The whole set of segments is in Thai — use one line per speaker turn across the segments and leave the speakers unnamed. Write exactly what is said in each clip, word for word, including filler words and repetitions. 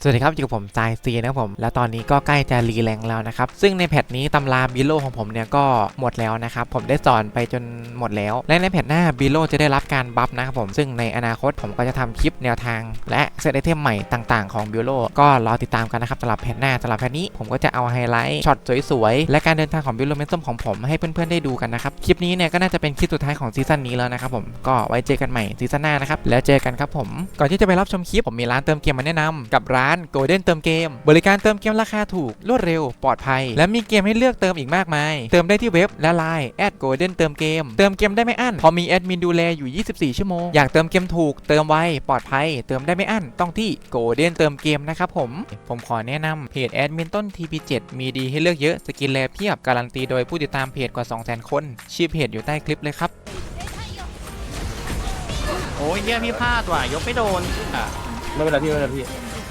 สวัสดีครับอยู่กับผมจายซีนะครับผมแล้วตอนนี้ก็ใกล้จะรีแรงแล้วนะครับซึ่งในแพทนี้ตำราบิโลของผมเนี่ยก็หมดแล้วนะครับผมได้สอนไปจนหมดแล้วและในแพทหน้าบิโลจะได้รับการบัฟนะครับผมซึ่งในอนาคตผมก็จะทำคลิปแนวทางและเซตไอเทมใหม่ต่างๆของบิโลก็รอติดตามกันนะครับสำหรับแพทหน้าสำหรับแพทนี้ผมก็จะเอาไฮไลท์ช็อตสวยๆและการเดินทางของบิโลเมนตัมของผมให้เพื่อนๆได้ดูกันนะครับคลิปนี้เนี่ยก็น่าจะเป็นคลิปสุดท้ายของซีซั่นนี้แล้วนะครับผมก็ไว้เจอกันใหม่ซีซั่นหน้านะครับแล้วเจอกันครับผมก่อนที่จะไปรับชมคลิปผมมีร้านเติมเกมมาแนะนำกับร้าน Golden เติมเกมบริการเติมเกมราคาถูกรวดเร็วปลอดภัยและมีเกมให้เลือกเติมอีกมากมายเติมได้ที่เว็บและไลน์ แอท โกลเด้น เติมเกมเติมเกมได้ไม่อั้นพอมีแอดมินดูแลอยู่ยี่สิบสี่ชั่วโมงอยากเติมเกมถูกเติมไวปลอดภัยเติมได้ไม่อั้นต้องที่ Golden เติมเกมนะครับผมผมขอแนะนำเพจแอดมินต้น ที พี เจ็ด มีดีให้เลือกเยอะสกินแลเพียบการันตีโดยผู้ติดตามเพจกว่า สองแสน คนชื่อเพจอยู่ใต้คลิปเลยครับ
โอ้ยเยี่ยพี่พลาดว่ะยกไม่โดนอ่ะ
ไม่เป็นไรพี่ไม่เป็นไรพี่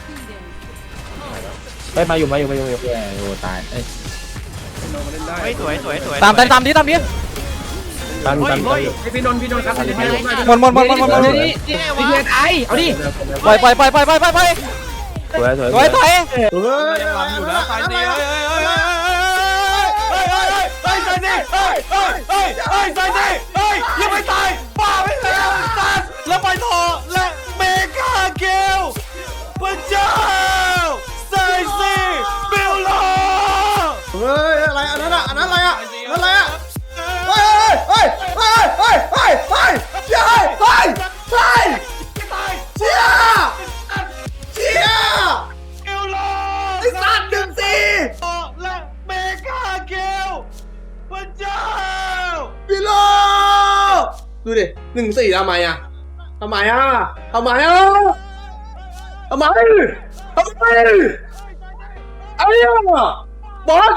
ไปมาอยู่มาอยู่มาอยู่มาอยู่โอ้ตายเอ้ย
เฮ้ยสวยสวยสวย
ตามตามตามดิตามดิ
ตามตาม
เฮ้ย
พี่นนท์พี่นนท์ครับ
หมดหมดหมดหมดหมดหมด
นี่นี่ไงวะ
ไอ้เอาดิ
ปล่อยปล่อยปล่อยปล่อยปล่อยปล่อยปล่อย
สวยสวย
สวยสวย
เฮ้ย
ยังลำอยู่นะตายสิเฮ้ยเฮ้ยเฮ้ย
เฮ้ยเฮ้ยเฮ้ยใจดิเฮ้ยเฮ้ยเฮ้ยเฮ้ยใจดิเฮ้ยยังไม่ตายบ้าไม่แล้วสัตว์แล้วไปต่อและเมกาเกลพระเจ้าไซซี่บิลล่าเฮ้ยอะไรอันนั้นอ่ะอันนั้นอะไรอ่ะอันนั้นอะไรอ่ะเฮ้ยเฮ้ยเฮ้ยเฮ้ยเฮ้ยเฮ้ยเฮ้ยเฮ้ยเฮ้ยเชี่ยเชี่ยบิลล่าไอ้สัตว์หนึ่งสี่และเมกาเกลพระเจ้าบิลล่าดูดิหนึ่งสี่ทำไมอ่ะทำไมอ่ะทำไมอ่ะทำไมทำไมไอ้เหี้ยบอส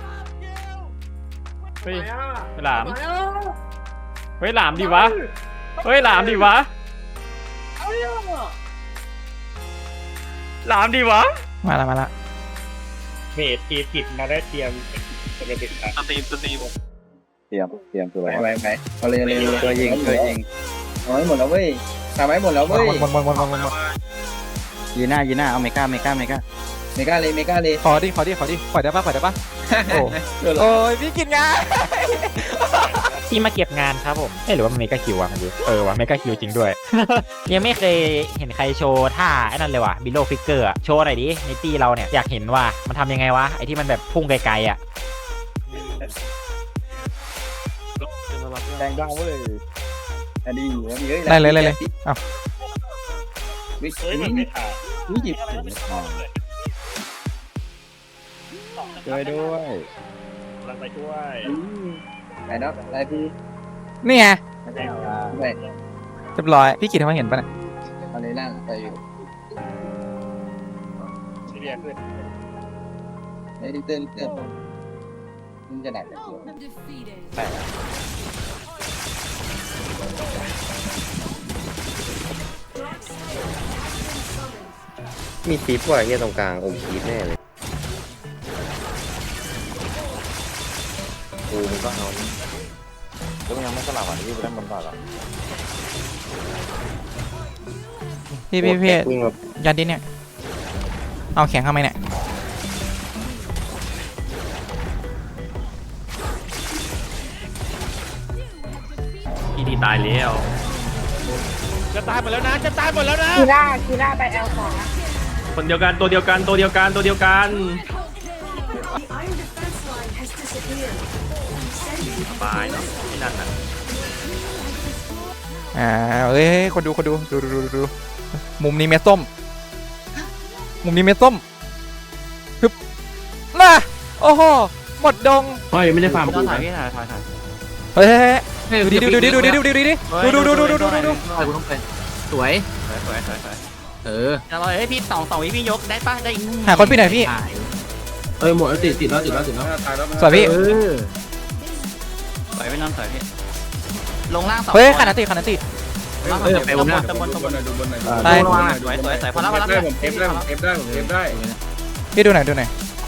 เฮ้ยหลามเฮ้ยหลามดิวะเฮ้ยหลามดิวะหลามดิวะ
มาละมาละ
เมดทีผิดมาได้เตรียมจะไปติดตาม
สตรีมสตรีม
เตรียมเตรียมตัวไว้ไว้ไว้เอาเลยเลยตัวยิงตัวยิงเอาไว้หมดแล้วเว้ยทำไว้หมดแล้วเว้ย
หมดหมดหมดหมดหมดหมด
ยีน่ายีน่าเอาเมกาเมกาเมกาเมกาเลยเมกาเลย
ขอดิขอดิขอดิปล่อยได้ปะปล่อยได้ปะโอ้โอ้ยพี่กินงาน
ที่มาเก็บงานครับผมเอ้หรือว่ามันเมกาคิววะมันดิเออวะเมกาคิวจริงด้วย ยังไม่เคยเห็นใครโชว์ท่าไอ้นั่นเลยว่ะบิโลฟิกเกอร์โชว์หน่อยดิในตีเราเนี่ยอยากเห็นว่ามันทำยังไงวะไอ้ที่มันแบบพุ่งไกลๆอ่ะ
แดงดาวเว้ยอันนี้เฮ้ย
ไล่เลยไล่เลยอ้าว
วิ
เฮ้ยมันไม่ขาด
วิจิบช่วยด้วย
ลังไปช่วย
ไหนนะไหนพี่
นี่ไง
ไม่
เรียบร้อยพี่กินทำไมเห็นปะเนี่ย
ตอนนี้นั่งไปอยู่
ที่เรียกขึ้น
ไอ้ดิเติ้ลเติ้ลมันจะไหนกัน
มีปี๊บว่ะเฮียตรงกลางอมปี๊บแน่เลยกูมันก็เอาแล้วมันยังไม่สลับอ่ะที่ไปเล่นบนก่อนหรอ
พี่พี่พี่
วิ่งมา
ยันดิเนี่ยเอาแข็งทำไมเนี่ย
พี่ดีตายแล้วจะตายหมดแล้วนะจะตายหมดแล้วนะ
คีร่าคีร่าไปแอลขวา
คนเดียวกันตัวเดียวกันตัวเดียวกันตัวเดียวกันสบายเนาะที่นั่นน่ะ
อ่าเอ้ยคนดูคนดูดูดูดูดูมุมนี้เม็ดส้มมุมนี้เม็ดส้มฮึบน่ะโอ้โหหมดดง
เฮ้ยไม่ได้ฟาร์ม
ต้องถ่ายพี่ถ่ายถ่ายถ่าย
เฮ้ยดูดิดูดิดูดิดูดิดูดิดูดูดูดูดูดูดู
ไปกูต้องไปสวย
สวยสวยสวยสวย
เออ
เราเฮ้ยพี่สองสองวิพี่ยกได้ปะได้
หาคนพี่หน่อยพี่
เอ้ยหมดแล้วติดติดแล้วติดแล้วติดแล้ว
สวยพี่
เออ
สวยไม่น้ำสวยพี่ลงล่างสอง
เฮ้ยขนาดติขนาดติ
ล่างสองตะบนตะบนตะบน
ได้
สวยสวยสวยพอแล้วพอแล้ว
ได้ผมเอฟได้ผมเอฟได้ผมเอฟได้
พี่ดูหน่อยดูหน่อย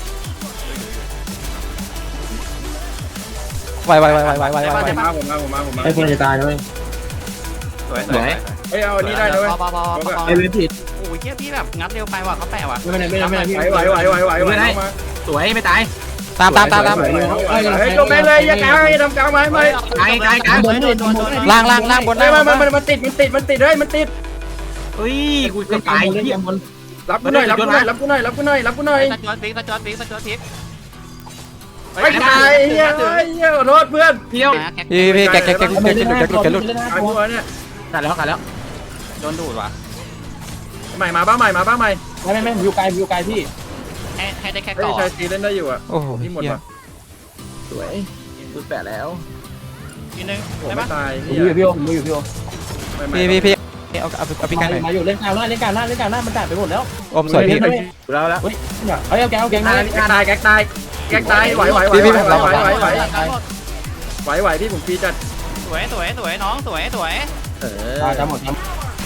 ไวไวไวไวไวไวไว
มาผมมาผมมาผมมา
ไอ้คนจะตายด้วย
สวยสวย
เฮ้ยเอาอันนี้ได้เลย
พอพอพอพอ
ไอ้เว็บผิด
โอ้ย
เกี้ยพี่แบบงัดเร็วไปว่ะเขาแปะว่ะ
ไม่เป็นไรไม่เป็นไรพี่
ไหวไหวไหวไหวไหวไหวมา
สวยไม่ตาย
ตามตามตามตาม
เฮ้ยจบแม่เลยอย่ากลางอย่าทำกลางไม้ไม่
ตายตายกลางเลยโดนโดนโดน
ล่างล่างล่างบน
ไม่
ล่าง
มันมันมันติดมันติดมันติดเฮ้ยมันติด
เฮ้ยกูจะตายเหี้ย
รับกูหน่อยรับกูหน่อยรับกูหน่อยรับกูหน่อยรับกูหน่อย
สจอดฟิกสจอดฟิกสจอดฟิก
ไม่ตายเฮียเฮ้ยเฮียขอโทษเพื่อน
เที่ยว
พี่พี่แกแกแกแกหลุดแกหลุดแกหลุด
ตายกูเนี่ย
กัดแล้วกัดแล้วโดนดูดว่ะ
ใหม่มาบ้าใหม่มาบ้าใหม่
ไม่ไม่ไม่ผมอยู่ไกลผมอยู่ไกลพี่
ให้ให้ได้แค่
เฮ้ย
ก่อ
ชายซีเล่นได้อยู่อ่ะ
โอ้โห
ที่หมดว่ะ
สวยรุดแปะแล้ว
ทีนึง
โอ้
ได้
ไม่
ปะ
ตาย
ผม
เฮี
อย ยู่พี่โอผมอยู่พี่โอ
พี่พี่พี่เอาเอาเอาพี่กันหน่อย
มาอยู่เล่นกลางหน้าเล่นกลางหน้าเล่นกลางหน้ามันจ่ายไปหมดแล้ว
อมสวยพี่
แล้วแล้ว
เฮ้ยเฮ้ยเอาแกเอาแก
แก
งหน้า
ตายแกตายแกตายไหวไหวไหวไหวไหวไหวไหวไหวไหวไหวพี่ผมฟีจัด
สวยสวยสวยน้องสวยสวย
เออ
จะหมดครับ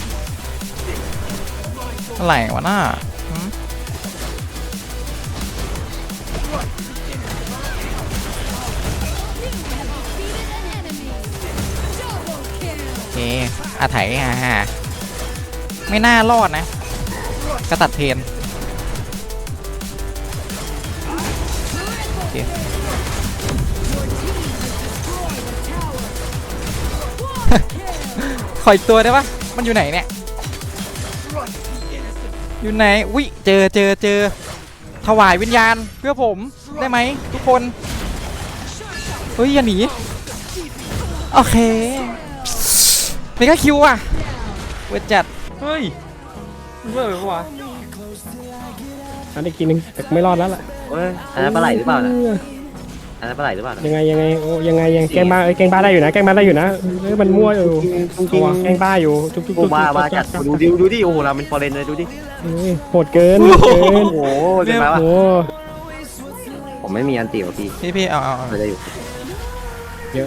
อะไรวะหน้าโอเคอาไถฮ่าฮ่าไม่น่ารอดนะกระตัดเทนโอเคขออีกตัวได้ปะมันอยู่ไหนเนี่ย อยู่ไหนวิเจอเจอเจอถวายวิญญาณเพื่อผมได้ไหมทุกคนเฮ้ยอย่าหนีโอเคนี่ก็คิวอ่ะเวทจัดเฮ้ยมันเวอร์ไปปะวะ
อันนี้กินนึงแต่ไม่รอดแล้วล่ะ
อันนั้นปลาไหลหรือเปล่านะอันนั้นปลาไหลหรือเปล่านะ
ยังไงยังไงโอ้ยังไงยังแกงบ้าเอ้ยแกงบ้าได้อยู่นะแกงบ้าได้อยู่นะเอ้ยมันมั่วอยู่
จริงจริง
เอาวะแกงบ้าอยู่ทุกทุก
โอ้
ทุก
มามาจัดดูดิดูดิโอ้โหเราเป็นฟอร์เรนเลยดูดิ
โหดเกินโหดเกิน
โอ้โหเป็นไงวะ
โอ้
ผมไม่มีอันตีว่ะพี่
พี่พี่เอาเอาเอา
ไม่ได้อยู่
เยอะ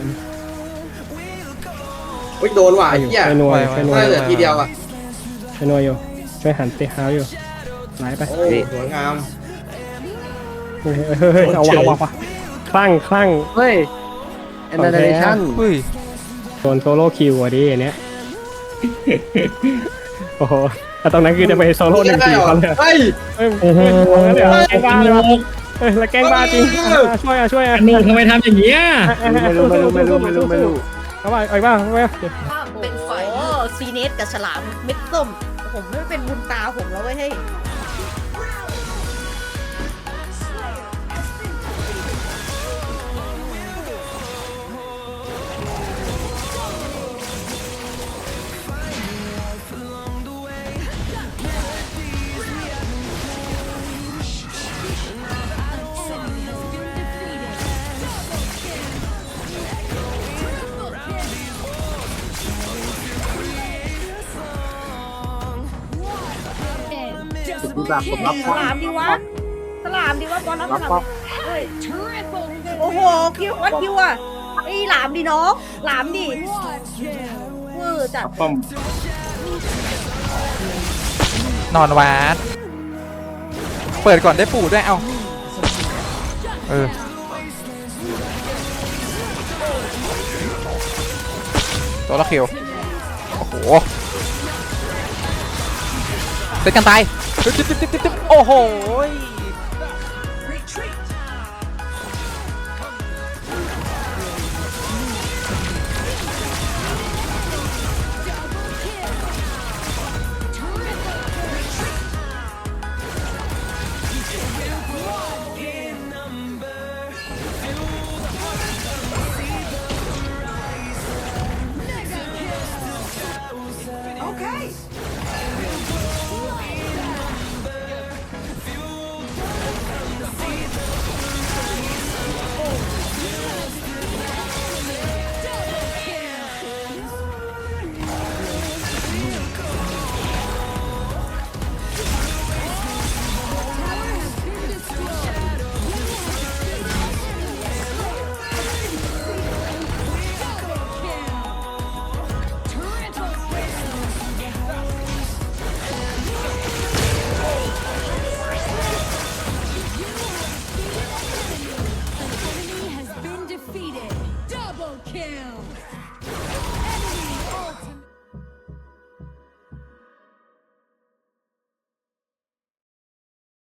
อุ้ยโดนว่ะไอ้เหี้ย
ไปนัวไปนัว
ไม่เหลือทีเดียวอ่ะ
ไปนัวอยู่ช่วยหันเตะเท้าอยู่ไหลไป
โอ้สวยงาม
เฮ้ยเฮ้ยเฮ้ยเอาวะเอาวะเอาวะคลั่งคลั่ง
เฮ้ยแอนนาเดชั่น
เฮ้ย
โดนโซโล่คิวอ่ะดิอันเนี้ยโอ้โหแต่ตรงนั้นคือจะไปโซโล่หนึ่งสี่เขาเลย
เฮ้ย
เฮ้ยโอ้โหเดี๋ยวแกงบ้าเลยวะเฮ้ยแล้วแกงบ้าจริงอ่ะช่วยอ่ะช่วยอ่ะ
นุ่มทำไมทำอย่างนี้อ่ะ
ไม่รู้ไม่รู้ไม่รู้ไม่รู้ไม่รู้
เอาไปเอาไปบ้างเอาไป
เป็นไฟโอ้ซีเนสกับฉลามเม็ดส้ม ผมไม่เป็นบุญตาผมแล้วเว้ยให้ย
ผมรับผมรับ
ฉลามดีวะฉลามดีวะบอลรับฉลามเฮ้ยโอ้โหคิววัดคิวอ่ะไอ้หลามดิน้องหลามดิเวอร์จัด
ป้อม
นอนวาดเปิดก่อนได้ปู่ด้วยเอาเออตัวละคิวโอ้โหเซตกันตายตึ๊บตึ๊บตึ๊บตึ๊บตึ๊บโอ้โห